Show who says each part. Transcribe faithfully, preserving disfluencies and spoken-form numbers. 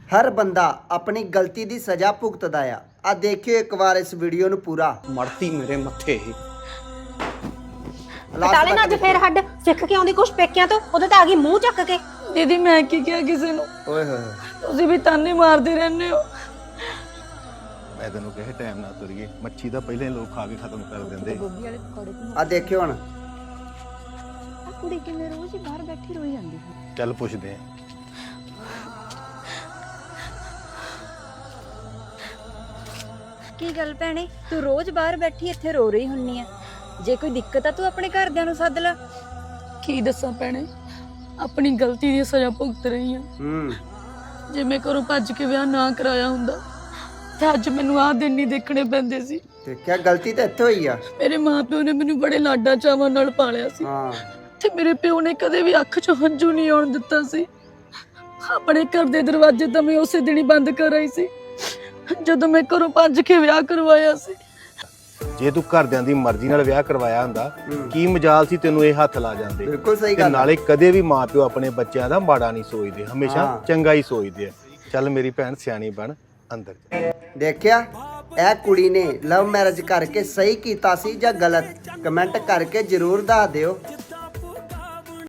Speaker 1: हर बंदा अपनी गलती की सजा भुगतदा आ आ देखियो एक बार इस वीडियो ਨੂੰ ਪੂਰਾ
Speaker 2: ਮੜਤੀ ਮੇਰੇ ਮੱਥੇ ਹੀ
Speaker 3: ਟਾਲੇ ਨਾ ਅੱਜ ਫੇਰ ਹੱਡ ਸਿੱਖ ਕੇ ਆਉਂਦੀ ਕੁਛ ਪੇਕਿਆਂ ਤੋਂ ਉਹਦੇ ਤਾਂ ਆ ਗਈ ਮੂੰਹ ਚੱਕ ਕੇ।
Speaker 4: दीदी मैं की किया किसी ਨੂੰ
Speaker 1: ਓਏ ਹੋਏ
Speaker 4: ਤੁਸੀਂ ਵੀ ਤਾਨੇ ਮਾਰਦੇ ਰਹਿੰਦੇ ਹੋ।
Speaker 5: ਮੈਂ ਤੈਨੂੰ ਕਹੇ ਟਾਈਮ ਨਾ ਤੁਰੀਏ ਮੱਛੀ ਤਾਂ ਪਹਿਲਾਂ ਹੀ ਲੋਕ ਖਾ ਕੇ ਖਤਮ ਕਰ ਦਿੰਦੇ।
Speaker 1: ਆ ਦੇਖਿਓ ਹੁਣ
Speaker 3: ਆ ਕੁੜੀ ਕਿਵੇਂ ਰੋਜ਼ ਹੀ ਬਾਹਰ ਬੈਠੀ ਰੋਈ ਜਾਂਦੀ ਹੈ।
Speaker 5: ਚੱਲ ਪੁੱਛਦੇ ਆ।
Speaker 3: ਕੀ ਗੱਲ ਭੈਣੇ ਤੂੰ ਰੋਜ਼ ਬਾਹਰ ਬੈਠੀ ਇੱਥੇ ਰੋ ਰਹੀ ਹੁੰਨੀ ਆ? ਜੇ ਕੋਈ ਦਿੱਕਤ ਆ ਤੂੰ ਆਪਣੇ ਘਰਦਿਆਂ ਨੂੰ ਸੱਦ ਲੈ।
Speaker 4: ਕੀ ਦੱਸਾਂ ਭੈਣੇ ਆਪਣੀ ਗਲਤੀ ਦੀ ਸਜ਼ਾ ਭੁਗਤ ਰਹੀ ਹਾਂ।
Speaker 1: ਹੂੰ
Speaker 4: ਜੇ ਮੈਂ ਘਰੋਂ ਭੱਜ ਕੇ ਵਿਆਹ ਨਾ ਕਰਾਇਆ ਹੁੰਦਾ ਤੇ ਅੱਜ ਮੈਨੂੰ ਆਹ ਦਿਨ ਨਹੀਂ ਦੇਖਣੇ ਪੈਂਦੇ ਸੀ।
Speaker 1: ਦੇਖਿਆ ਗਲਤੀ ਤਾਂ ਇੱਥੇ ਹੋਈ ਆ।
Speaker 4: ਮੇਰੇ ਮਾਪਿਓ ਨੇ ਮੈਨੂੰ ਬੜੇ ਲਾਡਾਂ ਚਾਵਾਂ ਨਾਲ ਪਾਲਿਆ ਸੀ
Speaker 1: ਹਾਂ
Speaker 4: ਤੇ ਮੇਰੇ ਪਿਓ ਨੇ ਕਦੇ ਵੀ ਅੱਖ 'ਚੋਂ ਹੰਝੂ ਨਹੀਂ ਆਉਣ ਦਿੱਤਾ ਸੀ। ਆਪਣੇ ਘਰ ਦੇ ਦਰਵਾਜ਼ੇ ਤਾਂ ਮੈਂ ਉਸੇ ਦਿਨ ਹੀ ਬੰਦ ਕਰ ਆਈ ਸੀ ਜਦੋਂ ਮੈਂ ਘਰੋਂ ਭੱਜ ਕੇ ਵਿਆਹ ਕਰਵਾਇਆ ਸੀ।
Speaker 5: ਜੇ ਤੂੰ ਘਰਦਿਆਂ ਦੀ ਮਰਜ਼ੀ ਨਾਲ ਵਿਆਹ ਕਰਵਾਇਆ ਹੁੰਦਾ ਕੀ ਮਜਾਲ ਸੀ ਤੈਨੂੰ ਇਹ ਹੱਥ ਲਾ ਜਾਂਦੇ।
Speaker 1: ਬਿਲਕੁਲ ਸਹੀ
Speaker 5: ਤੇ
Speaker 1: ਗੱਲ ਆ।
Speaker 5: ਨਾਲੇ ਕਦੇ ਵੀ ਮਾਪਿਓ ਆਪਣੇ ਬੱਚਿਆਂ ਦਾ ਮਾੜਾ ਨਹੀਂ ਸੋਚਦੇ, ਹਮੇਸ਼ਾ
Speaker 1: ਹਾਂ।
Speaker 5: ਚੰਗਾ ਹੀ ਸੋਚਦੇ ਆ। ਚੱਲ ਮੇਰੀ ਭੈਣ ਸਿਆਣੀ ਬਣ ਅੰਦਰ ਜਾ।
Speaker 1: ਦੇਖਿਆ ਇਹ ਕੁੜੀ ਨੇ ਲਵ ਮੈਰਿਜ ਕਰਕੇ ਸਹੀ ਕੀਤਾ ਸੀ ਜਾਂ ਗਲਤ? ਕਮੈਂਟ ਕਰਕੇ ਜਰੂਰ ਦੱਸ ਦਿਓ।